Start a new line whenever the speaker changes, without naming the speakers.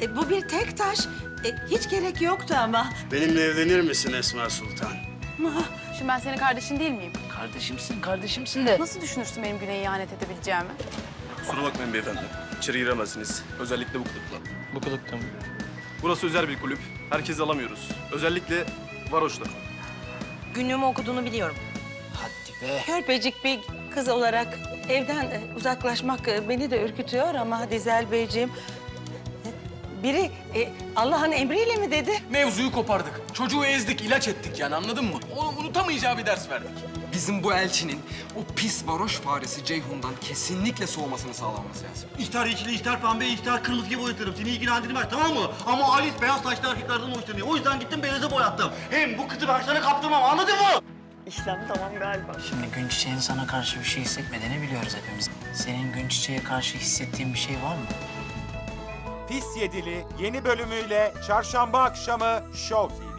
Bu bir tek taş. Hiç gerek yoktu ama.
Benimle evlenir misin Esma Sultan?
Şimdi ben senin kardeşin değil miyim?
Kardeşimsin de.
Nasıl düşünürsün benim Güney'e ihanet edebileceğimi?
Kusura bakmayın beyefendi. İçeri giremezsiniz. Özellikle bu kılıkla.
Bu kılıkta mı?
Burası özel bir kulüp. Herkesi alamıyoruz. Özellikle varoşlar.
Günlüğümü okuduğunu biliyorum.
Hadi be.
Körpecik bir kız olarak evden uzaklaşmak beni de ürkütüyor ama Dizel Beyciğim... Biri Allah'ın emriyle mi dedi?
Mevzuyu kopardık. Çocuğu ezdik, ilaç ettik yani anladın mı? Onu unutamayacağı bir ders verdik. Bizim bu elçinin o pis varoş faresi Ceyhun'dan kesinlikle soğumasını sağlamamız lazım.
İhtar yeşili, ihtar pembe, ihtar kırmızı gibi boyatırım. Seni ilgilendirmez, tamam mı? Ama Alice beyaz saçlı erkeklerden hoşlanıyor. O yüzden gittim beyaza boyattım. Hem bu kızı ben sana kaptırmam, anladın mı? İşlem tamam galiba.
Şimdi Gün Çiçek'in sana karşı bir şey hissetmediğini biliyoruz hepimiz. Senin Gün Çiçek'e karşı hissettiğin bir şey var mı?
Pis Yedili yeni bölümüyle çarşamba akşamı Show TV'de.